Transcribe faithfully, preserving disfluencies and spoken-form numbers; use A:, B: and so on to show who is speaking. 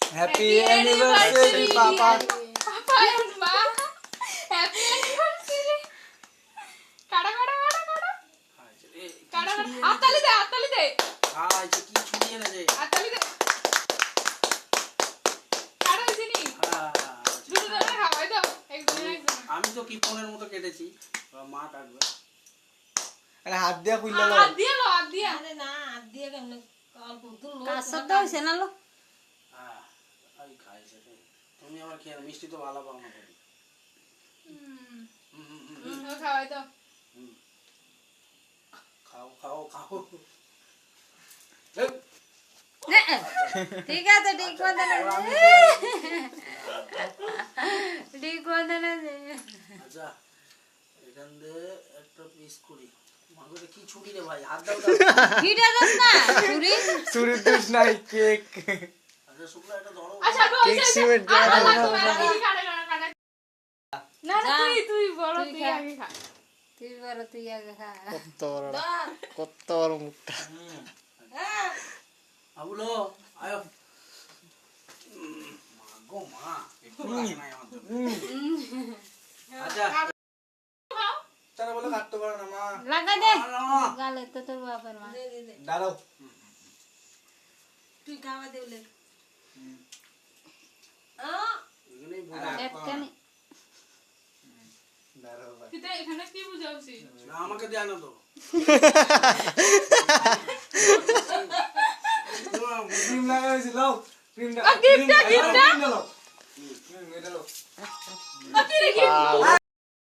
A: Happy anniversary papa
B: papa and মা happy anniversary কাড়া কাড়া কাড়া কাড়া কাড়া হাততালি দে হাততালি দে
C: আয় যে কি ছুটি এনেছে
B: হাততালি দে কাড়া দিনি দুটো ধরে খাওয়াই দাও একজন একজন
C: আমি তো কিপনের মতো কেটেছি মা কাটবে
A: আরে হাত দিয়া কইলা লো
B: হাত দিয়ে লো হাত দিয়ে
D: আরে না হাত দিয়ে কেমন অল্প তুল
E: কাঁচা দাও সেনা লো
C: হ্যাঁ আমি খাইছে তুমি আবার খেয়ে নাও, মিষ্টি তো ভালো পাও না তুমি
B: হুম
C: হুম, হুম, হুম, হুম।
B: ও খাওয়াই দাও
C: হুম। খাও খাও খাও এই,
E: ঠিক আছে ঠিক কথা না ঠিক কথা না
C: আচ্ছা এখান দিয়ে একটা পিস করি মাগরে কি ছুটি রে ভাই হাত দাও দাও
E: হিটা দাস না ছুরি
A: চুরি দুষ নাই কেক
C: আচ্ছা শুক্লা এটা ধরো
B: আচ্ছা
A: কেক সিমেন্ট দিয়া
B: না না তুই তুই বড়
E: তুই
B: তুই
E: খা।
B: আগে খা
E: তুই বড় তুই আগে খা
A: কত বড় কত বড় মুখটা
C: আবুলো আয়ো মা গো মা একটু লাগে নাই আমার জন্য আচ্ছা
A: তারা বলে কাটতে পারে না মা
E: লাগা দে
C: আলো
E: গালে তো তোর বাপের মা
A: দাঁড়াও
D: তুই খাওয়া দেবলে
C: এখানেই বুঝা
E: একটা নি
A: দাঁড়াও ভাই
B: তুই তো এখানে কি বুঝাউছি
C: না আমাকে দেয় না তো
A: ক্রিম লাগা হয়েছে লাও ক্রিম
B: গিফটটা গিফটটা
A: দাও হুম এটা লাও
B: কি রে কি